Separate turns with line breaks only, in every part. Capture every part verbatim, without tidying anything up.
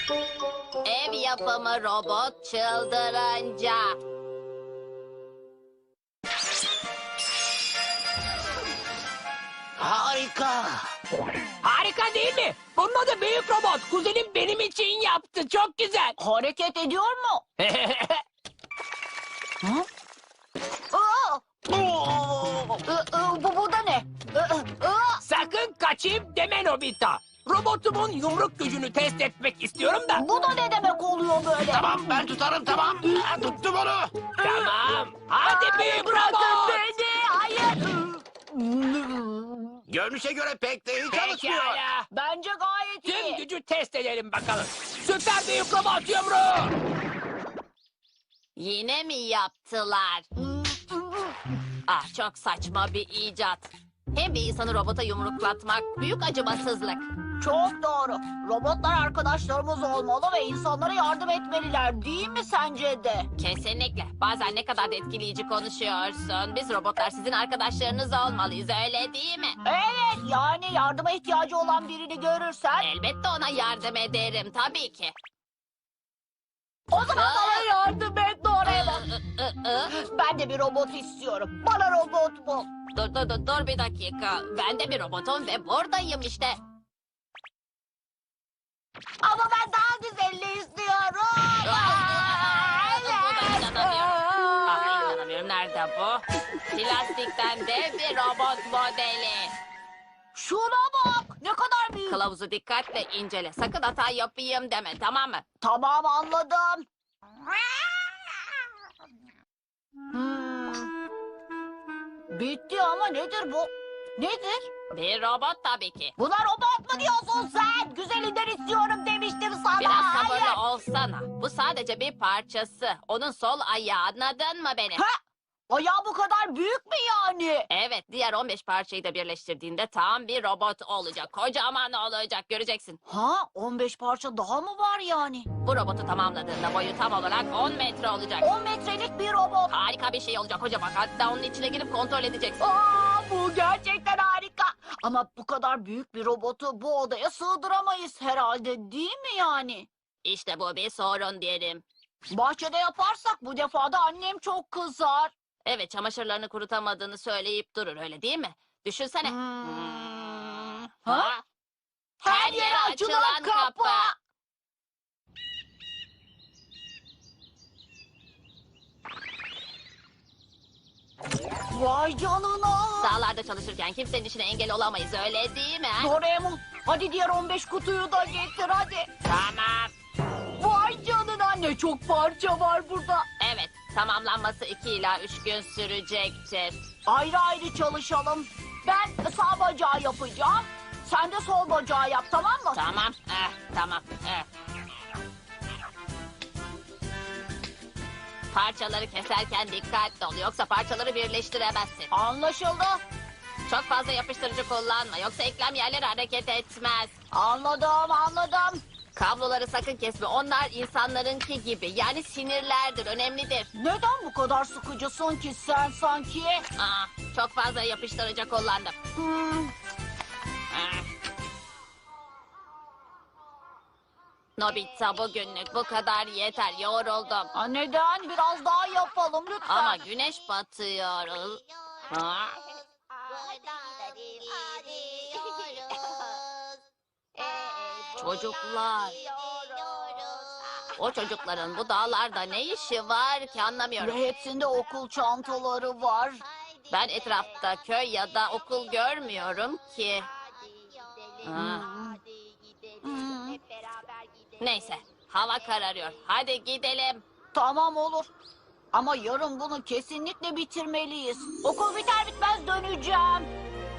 Ev yapımı robot çıldırınca.
Harika.
Harika değil mi? Bunun adı büyük robot. Kuzenim benim için yaptı. Çok güzel.
Hareket ediyor mu? Hı? Aa!
Oo!
Ü, ü, bu, bu da ne? Ü, ü, ü.
Sakın kaçayım deme Nobita. Robotumun yumruk gücünü test etmek istiyorum da.
Bu da ne demek oluyor böyle?
Tamam ben tutarım tamam. Ha, tuttum onu.
Tamam. Hadi
Ay,
büyük
bırakın
robot.
beni. Hayır.
Görünüşe göre pek de iyi çalışmıyor.
Pekala.
Bence gayet
Tüm
iyi.
gücü test edelim bakalım. Süper büyük robot yumruğu.
Yine mi yaptılar? Ah, çok saçma bir icat. Hem bir insanı robota yumruklatmak büyük acımasızlık.
Çok doğru. Robotlar arkadaşlarımız olmalı ve insanlara yardım etmeliler, değil mi sence de?
Kesinlikle. Bazen ne kadar da etkileyici konuşuyorsun. Biz robotlar sizin arkadaşlarınız olmalıyız, öyle değil mi?
Evet, yani yardıma ihtiyacı olan birini görürsen
Elbette ona yardım ederim, tabii ki.
o zaman bana yardım et Doraemon.
Ü, ı, ı.
Ben de bir robot istiyorum. Bana robot bul.
Dur dur dur dur bir dakika. Ben de bir robotum ve buradayım işte.
Ama ben daha güzelini istiyorum.
Aa,
Evet.
buna inanamıyorum. Ah, inanamıyorum. Nerede bu? Plastikten dev bir robot modeli.
Şuna bak, ne kadar büyük.
Kılavuzu dikkatle incele. Sakın hata yapayım deme, tamam mı?
Tamam, anladım. Hmm. Bitti ama nedir bu? Nedir?
Bir robot tabii ki.
Buna robot mu diyorsun sen? Güzelinden istiyorum demiştim sana.
Biraz
Hayır.
sabırlı olsana. Bu sadece bir parçası. Onun sol ayağı, anladın mı beni?
Ha? Ayağı bu kadar büyük mü yani?
Evet, diğer on beş parçayı da birleştirdiğinde tam bir robot olacak. Kocaman olacak, göreceksin.
Ha, on beş parça daha mı var yani?
Bu robotu tamamladığında boyu tam olarak on metre olacak.
on metrelik bir robot.
Harika bir şey olacak kocaman. Hatta onun içine girip kontrol edeceksin.
Aa, bu gerçekten harika. Ama bu kadar büyük bir robotu bu odaya sığdıramayız herhalde, değil mi yani?
İşte bu bir sorun diyelim.
Bahçede yaparsak bu defa da annem çok kızar.
Evet, çamaşırlarını kurutamadığını söyleyip durur, öyle değil mi? Düşünsene.
Hmm.
Hmm.
Ha? Her yere açılan kapı. Vay canına.
Dağlarda çalışırken kimsenin işine engel olamayız, öyle değil mi? ha?
Doraemon, hadi diğer on beş kutuyu da getir hadi.
Tamam.
Vay canına, ne çok parça var burada.
Evet, tamamlanması iki ila üç gün sürecektir.
Ayrı ayrı çalışalım. Ben sağ bacağı yapacağım. Sen de sol bacağı yap, tamam mı?
Tamam, eh, tamam. eh. Parçaları keserken dikkatli ol, yoksa parçaları birleştiremezsin.
Anlaşıldı.
Çok fazla yapıştırıcı kullanma, yoksa eklem yerleri hareket etmez.
Anladım, anladım.
Kabloları sakın kesme, onlar insanlarınki gibi. Yani sinirlerdir, önemlidir.
Neden bu kadar sıkıcısın ki sen sanki?
Aa, çok fazla yapıştırıcı kullandım.
Hmm,
Ah. Nobita, bugünlük bu kadar yeter, yoruldum.
ha, neden? Biraz daha yapalım lütfen.
Ama güneş batıyor. Ha? Çocuklar. O çocukların bu dağlarda ne işi var ki, anlamıyorum.
Ve hepsinde okul çantaları var.
Ben etrafta köy ya da okul görmüyorum ki. Ha.
Hmm,
Neyse, hava kararıyor. Hadi gidelim.
tamam olur. Ama yarın bunu kesinlikle bitirmeliyiz. Okul biter bitmez döneceğim.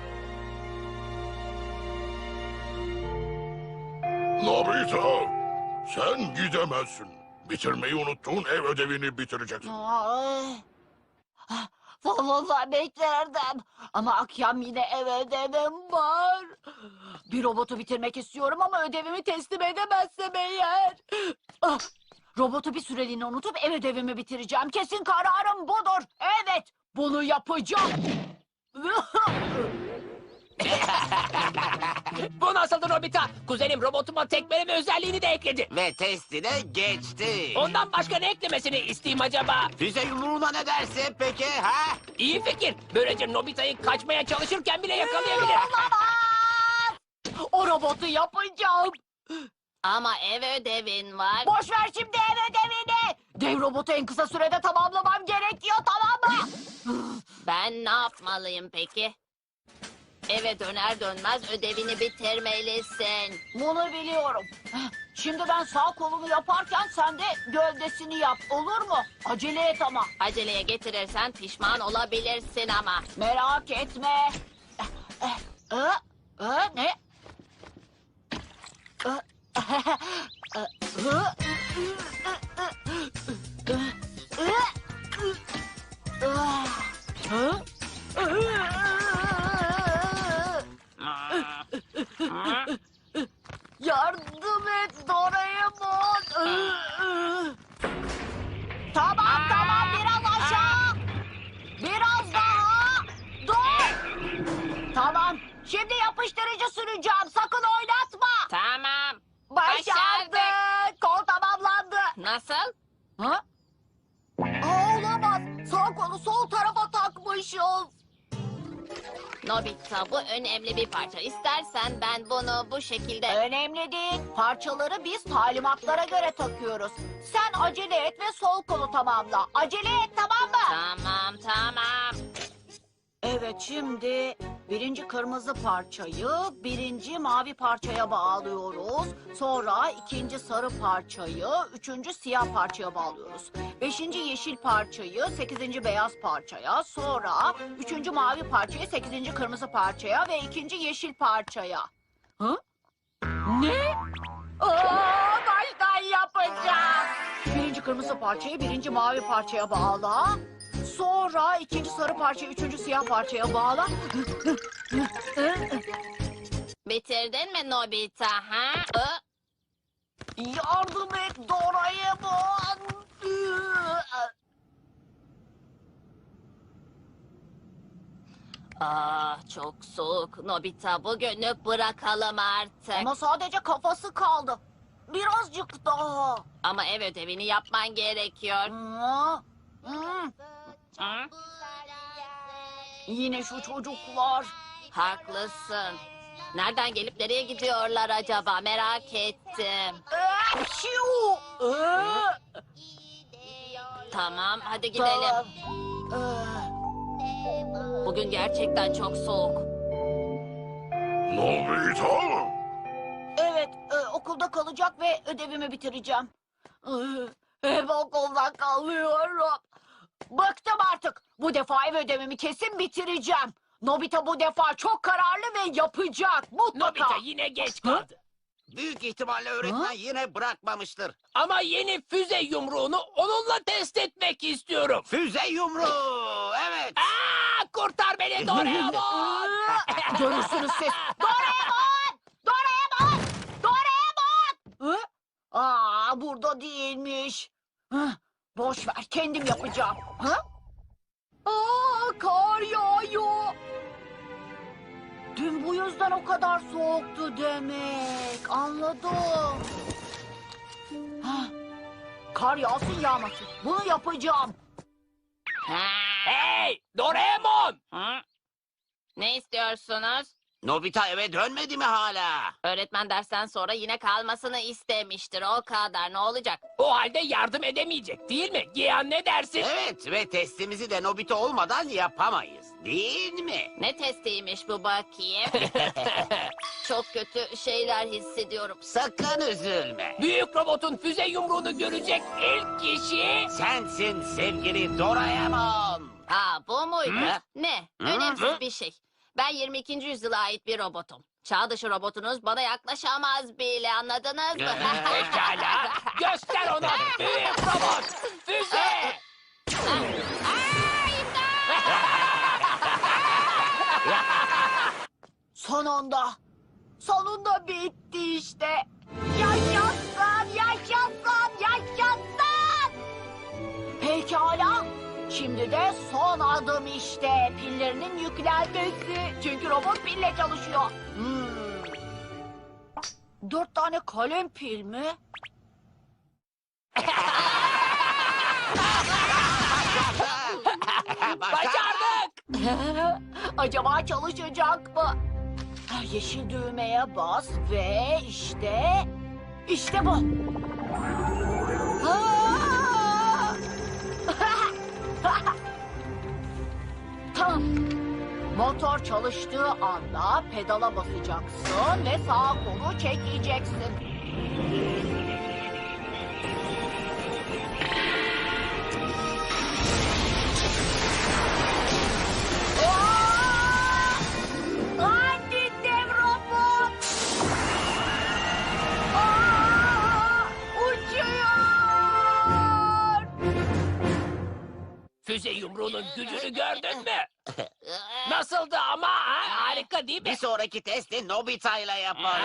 Nobita, sen gidemezsin. Bitirmeyi unuttuğun ev ödevini bitireceksin.
Ay. Ah, vallahi beklerdim. Ama akşam yine ev ödevim var. Bir robotu bitirmek istiyorum ama ödevimi teslim edemezsem eğer. Ah, robotu bir süreliğine unutup ev ödevimi bitireceğim. Kesin kararım budur. Evet, bunu yapacağım.
Bu nasıldı Nobita? Kuzenim robotuma tekmeleme özelliğini de ekledi.
Ve testi de geçti.
Ondan başka ne eklemesini isteyeyim acaba?
Füze yumruğuna ne dersin peki ha?
İyi fikir. Böylece Nobita'yı kaçmaya çalışırken bile yakalayabilir.
Olamaz! O robotu yapacağım.
Ama ev ödevin var.
Boş ver şimdi ev ödevini. Dev robotu en kısa sürede tamamlamam gerekiyor, tamam mı?
Ben ne yapmalıyım peki? Eve döner dönmez ödevini bitirmelisin.
Bunu biliyorum. Şimdi ben sağ kolunu yaparken sen de gövdesini yap, olur mu? Acele et ama.
Aceleye getirirsen pişman olabilirsin ama.
Merak etme. Eh, eh, eh, ne? Eh, eh, eh, Yardım et Doraemon. Tamam tamam biraz aşağı. Biraz daha. Dur. Tamam. Şimdi yapıştırıcı süreceğim. Sakın oynatma.
Tamam.
Başardık. Kol tamamlandı.
Nasıl?
Ha? Aa, olamaz. Sağ kolu sol tarafa takmışız.
Nobita bu önemli bir parça. İstersen ben bunu bu şekilde...
Önemli değil. Parçaları biz talimatlara göre takıyoruz. Sen acele et ve sol kolu tamamla. Acele et, tamam mı?
Tamam tamam.
Evet, şimdi birinci kırmızı parçayı birinci mavi parçaya bağlıyoruz. Sonra ikinci sarı parçayı üçüncü siyah parçaya bağlıyoruz. Beşinci yeşil parçayı sekizinci beyaz parçaya, sonra üçüncü mavi parçayı sekizinci kırmızı parçaya ve ikinci yeşil parçaya. Hı? Ne? Aa, baştan yapacağım. Birinci kırmızı parçayı birinci mavi parçaya bağla. Sonra ikinci sarı parçayı üçüncü siyah parçaya bağla.
Bitirdin mi Nobita ha? Ö?
Yardım et Doraemon.
Ah çok soğuk. Nobita bugünlük bırakalım artık.
Ama sadece kafası kaldı. Birazcık daha.
Ama ev ödevini yapman gerekiyor.
Hı? Hı.
Hı?
Yine şu çocuklar.
Haklısın. Nereden gelip nereye gidiyorlar acaba merak ettim.
Ee, şiu. Ee,
Tamam hadi gidelim.
tamam. Ee,
Bugün gerçekten çok soğuk.
Nobita!
Evet, e, okulda kalacak ve ödevimi bitireceğim. Ee, Hep okulda kalıyorum. Bıktım artık. Bu defa ev ödevimi kesin bitireceğim. Nobita bu defa çok kararlı ve yapacak. Mutlaka.
Nobita yine geç kaldı.
Büyük ihtimalle öğretmen
Ha?
yine bırakmamıştır.
Ama yeni füze yumruğunu onunla test etmek istiyorum.
Füze yumruğu. Evet.
Aa, kurtar beni Doraemon.
Ee, Görürsünüz siz. Doraemon! Doraemon! Doraemon! Hı? Aa, burada değilmiş. Hı, boş ver, kendim yapacağım. Hı? Aa, kar yağıyor. Dün bu yüzden o kadar soğuktu demek. Anladım. Hah, kar yağsın yağmasın. Bunu yapacağım.
Ha?
Hey Doraemon.
Hı? Ne istiyorsunuz?
Nobita eve dönmedi mi hala?
Öğretmen dersten sonra yine kalmasını istemiştir. O kadar ne olacak?
O halde yardım edemeyecek değil mi? Giyan ne dersin?
Evet ve testimizi de Nobita olmadan yapamayız. Değil mi?
Ne testiymiş bu bakayım? Çok kötü şeyler hissediyorum.
Sakın üzülme.
Büyük robotun füze yumruğunu görecek ilk kişi...
Sensin sevgili Doraemon.
Ha bu muydu?
Hı?
Ne?
Hı?
Önemsiz
Hı?
bir şey. Ben yirmi ikinci yüzyıla ait bir robotum. Çağ dışı robotunuz bana yaklaşamaz bile, anladınız mı?
Pekala. Göster ona büyük robot. Füze.
Sonunda. Sonunda bitti işte. Yaşasın, yaşasın, yaşasın. Pekala. Şimdi de son adım işte. Pillerinin yüklenmesi. Çünkü robot pille çalışıyor. Hmm. Dört tane kalem pil mi?
Başardık.
Acaba çalışacak mı? Ha, yeşil düğmeye bas ve işte... işte bu. Aa! Tamam. Motor çalıştığı anda pedala basacaksın ve sağ kolu çekeceksin. Aa! Hadi dev robot! Aa! Uçuyor!
Füze yumruğunun gücünü gördün mü? Nasıldı ama ha? Harika değil mi?
Bir sonraki testi Nobita ile yapalım.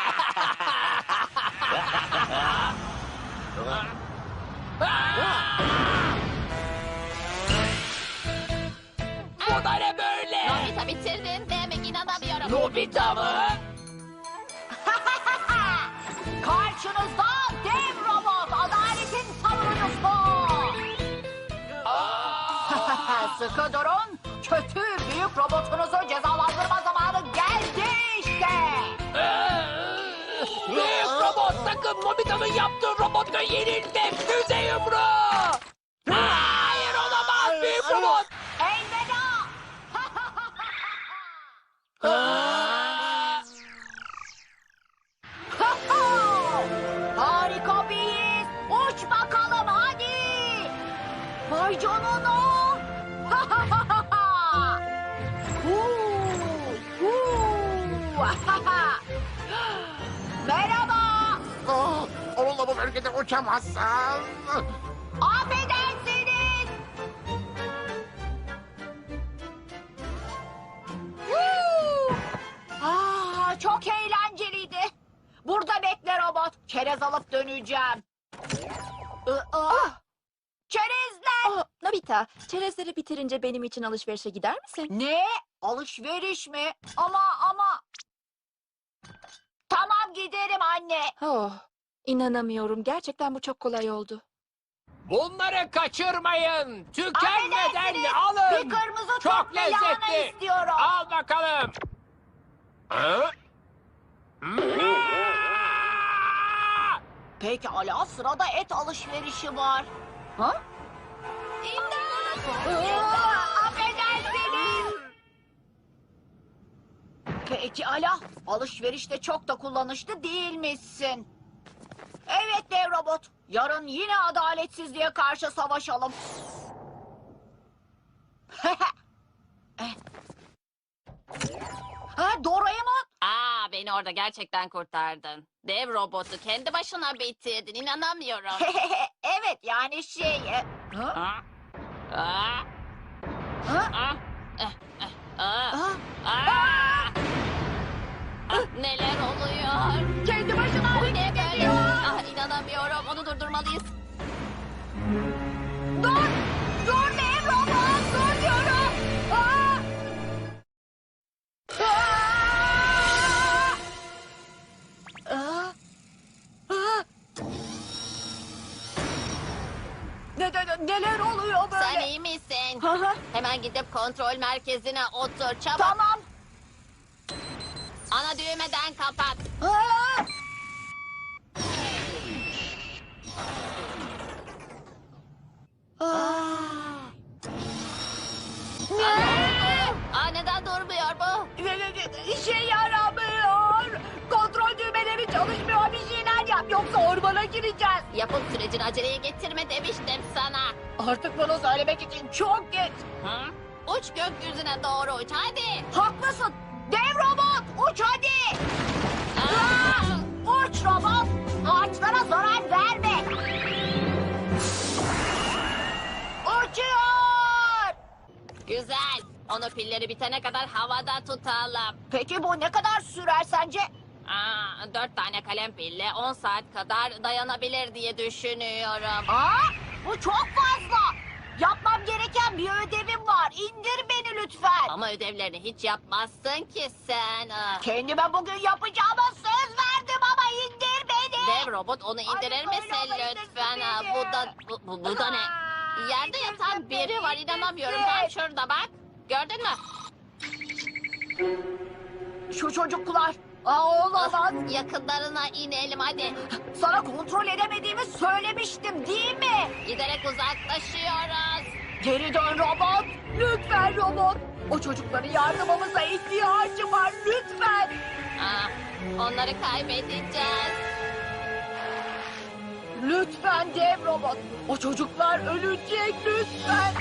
Bu da ne böyle?
Nobita bitirdin demek inanamıyorum.
Nobita mı?
Karşınızda dev robot, adaletin savunucusu. Sıkı durun, kötü büyük robotunuzu cezalandırma zamanı geldi işte.
Büyük robot sakın Nobita'nın yaptığı robotla yenilme. Füze yumruğu. Hayır olamaz büyük robot.
Elveda. Harika bir his. Uç bakalım hadi. Vay canına. Huu, huu. Merhaba.
Ah, onunla bu bölgede uçamazsın.
Affedersiniz. Huu. Aa, çok eğlenceliydi. Burada bekle robot. Çerez alıp döneceğim. Aa, çerezler.
Oh, Nobita, çerezleri bitirince benim için alışverişe gider misin?
Ne? Alışveriş mi? Ama ama... Tamam giderim anne.
Oh, inanamıyorum. Gerçekten bu çok kolay oldu.
Bunları kaçırmayın. Tükenmeden
Affedersiniz,
alın.
bir kırmızı
Çok
top ve lahana
lezzetli.
istiyorum.
Al bakalım. Ha?
Pekala, sırada et alışverişi var. Ha? Aa, affedersiniz. Pekala, alışverişte çok da kullanışlı değilmişsin. Evet dev robot, yarın yine adaletsizliğe karşı savaşalım. Eh. Ha, Doraemon.
Aa, beni orada gerçekten kurtardın. Dev robotu kendi başına bitirdin. İnanamıyorum.
Evet yani şey... e, Ha?
Aa, aa,
Ha?
aa, eh, eh, aa,
Ha?
aa. Ah, neler oluyor?
Kendi başına
Bu ne
hareket
böyle?
ediyor.
Ah, inanamıyorum. Onu durdurmalıyız.
Dur! Dur dev robot! Dur diyorum! Aa! Aa! Aa! Aa! Ne, ne, ne- neler oluyor böyle?
Sen iyi misin?
Hı hı.
Hemen gidip kontrol merkezine otur. Çabuk.
Tamam.
Ana düğmeden kapat.
Aa! Aa! Ne?
Aa, neden durmuyor bu?
Ne- ne- ne- İşe yaramıyor. Kontrol düğmeleri çalışmıyor. Bir şeyler yap. Yoksa ormana gireceğiz.
Yapım sürecini aceleye getirme demiştim sana.
Artık bunu söylemek için çok geç.
Hı? Uç gökyüzüne doğru uç hadi.
Haklısın. Dev robot uç hadi.
Aa!
Aa! Uç robot. Ağaçlara zarar verme. Uçuyor.
Güzel. Onu pilleri bitene kadar havada tutalım.
Peki bu ne kadar sürer sence?
Aa, dört tane kalem pille on saat kadar dayanabilir diye düşünüyorum.
Aa, bu çok fazla. Yapmam yapmam gereken bir ödevim var. İndir beni lütfen.
Ama ödevlerini hiç yapmazsın ki sen. Ah.
Kendime bugün yapacağıma söz verdim ama indir beni.
Dev robot onu indirir
Ay,
misin
böyle olmayı
lütfen?
indirsin
Ah,
beni.
Bu da, bu, bu, bu da ne?
Aa,
Yerde
indirsin
yatan biri
beni,
var, inanamıyorum.
indirsin.
Tam şurada bak. Gördün mü?
Şu çocuklar. Aa, olamaz.
Yakınlarına inelim hadi.
Sana kontrol edemediğimi söylemiştim değil mi?
Giderek uzaklaşıyoruz.
Geri dön robot. Lütfen robot. O çocukların yardımımıza ihtiyacı var lütfen.
Ah, onları kaybedeceğiz.
Lütfen dev robot. O çocuklar ölecek lütfen.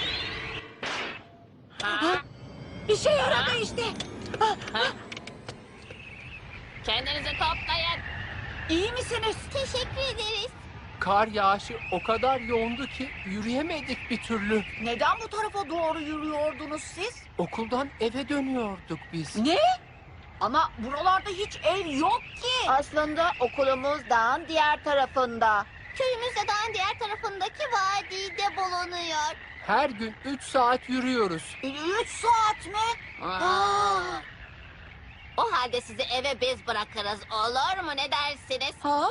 Ha?
İşe yaradı işte.
Ha? Kendinizi toplayın.
İyi misiniz?
Teşekkür ederiz.
Kar yağışı o kadar yoğundu ki yürüyemedik bir türlü.
Neden bu tarafa doğru yürüyordunuz siz?
Okuldan eve dönüyorduk biz.
Ne? Ama buralarda hiç ev yok ki.
Aslında okulumuz dağın diğer tarafında.
Köyümüz de dağın diğer tarafındaki vadide bulunuyor.
Her gün üç saat yürüyoruz.
Üç saat mi? Aa.
O halde sizi eve biz bırakırız. Olur mu? Ne dersiniz?
Ha?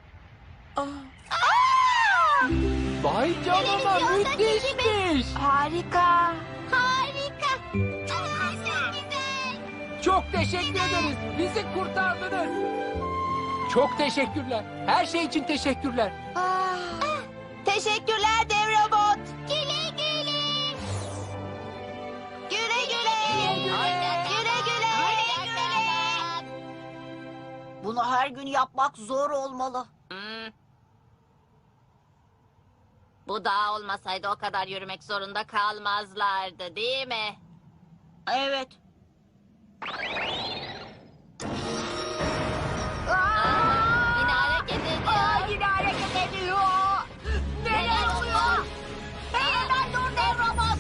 Vay canına
Televizyonda
müthişmiş.
Harika.
Harika. Çok güzel.
Çok teşekkür ederiz. Bizi kurtardınız. Çok teşekkürler. Her şey için teşekkürler.
Teşekkürler dev robot.
Güle güle.
Güle güle.
Hoşça kalın.
Güle güle.
Hoşça kalın.
Bunu her gün yapmak zor olmalı.
Hmm. Bu dağ olmasaydı o kadar yürümek zorunda kalmazlardı, değil mi?
Evet.
Aa, yine hareket
Aa,
ediyor.
yine hareket ediyor. Neler oluyor? Hey, hemen dur dev robot.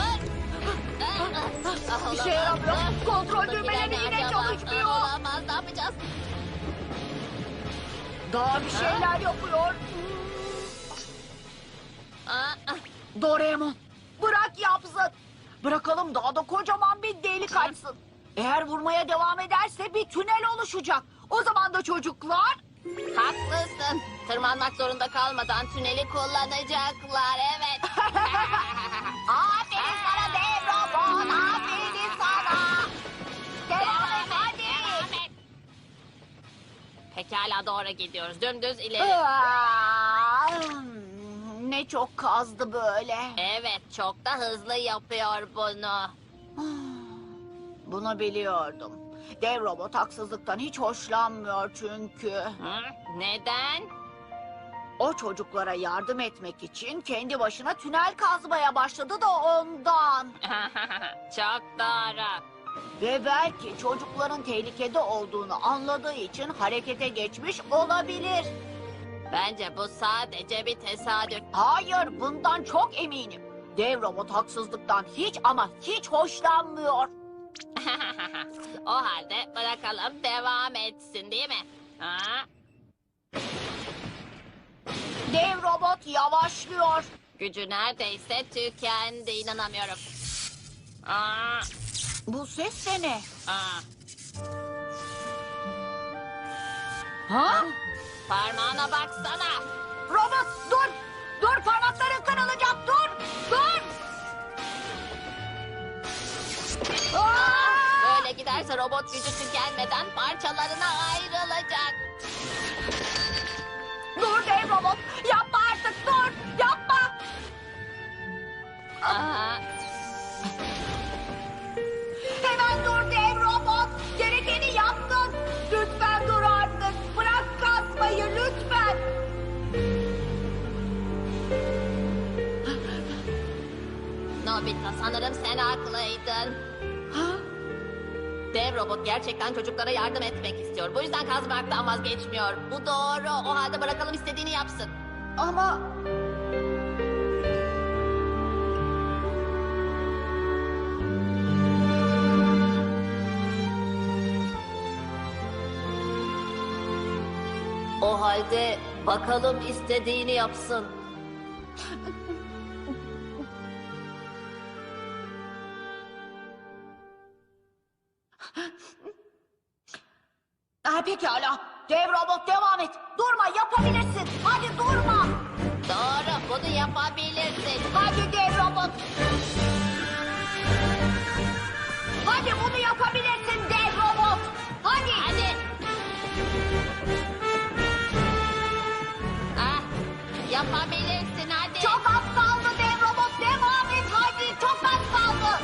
Dur. Ah,
Bir şey
olamaz,
yaramıyor.
dur.
Kontrol
Buradakiler
düğmeleri
ne
yine
acaba?
çalışmıyor.
Ah, Olamaz, ne yapacağız?
Daha bir şeyler yapıyor.
Ah, ah.
Doraemon, bırak yapsın. Bırakalım daha da kocaman bir delik açsın. Eğer vurmaya devam ederse bir tünel oluşacak. O zaman da çocuklar...
Haklısın. Tırmanmak zorunda kalmadan tüneli kullanacaklar, evet.
Aferin sana dev robot, aferin sana. Devam et hadi.
Devam et. Pekala, doğru gidiyoruz. Dümdüz ileri.
Aa, ne çok kazdı böyle.
Evet, çok da hızlı yapıyor bunu.
Bunu biliyordum. Dev robot haksızlıktan hiç hoşlanmıyor çünkü.
Hı? Neden?
O çocuklara yardım etmek için kendi başına tünel kazmaya başladı da ondan.
Çok doğru.
Ve belki çocukların tehlikede olduğunu anladığı için harekete geçmiş olabilir.
Bence bu sadece bir tesadüf.
Hayır, bundan çok eminim. Dev robot haksızlıktan hiç ama hiç hoşlanmıyor.
O halde bırakalım devam etsin, değil mi? Ha?
Dev robot yavaşlıyor.
Gücü neredeyse tükendi, inanamıyorum. Aa,
Bu ses de ne?
aa.
Ha?
Parmağına baksana.
Robot dur! Dur, parmakların kırılacak, dur! Dur! Aa!
Böyle giderse robot gücü tükenmeden parçalarına ayrılacak.
Dur dev robot! Yapma artık, dur! Yapma!
Aa,
Hemen dur dev robot! Gerekeni yaptın! Lütfen dur artık! Bırak kasmayı lütfen!
Nobita, sanırım sen haklıydın.
Ha?
Dev robot gerçekten çocuklara yardım etmek istiyor. Bu yüzden kazmaktan vazgeçmiyor. Bu doğru. O halde bırakalım istediğini yapsın.
Ama...
O halde bakalım istediğini yapsın.
pekala. Dev robot devam et. Durma, yapabilirsin. Hadi durma.
Doğru, bunu yapabilirsin.
Hadi dev robot. Hadi bunu yapabilirsin dev robot. Hadi.
Hadi. Ah, yapabilirsin hadi.
Çok az kaldı dev robot. Devam et hadi. Çok az kaldı.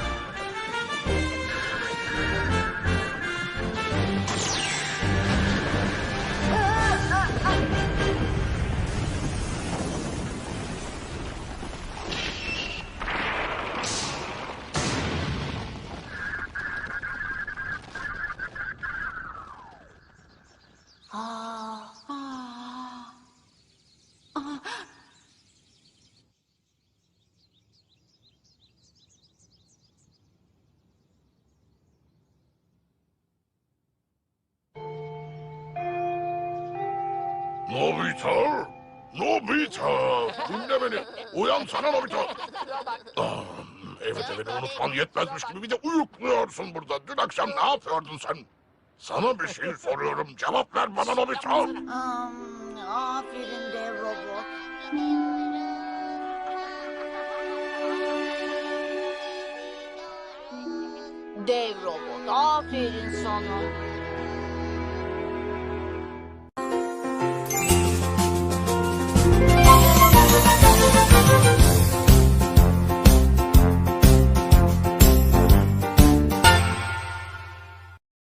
Nobita! Nobita! Dinle beni. Uyansana Nobita. Ah, evet evet unutman yetmezmiş gibi bir de uyukluyorsun burada. Dün akşam ne yapıyordun sen? Sana bir şey soruyorum. Cevap ver bana Nobita.
Hmm, aferin dev robot. Dev robot, aferin sana.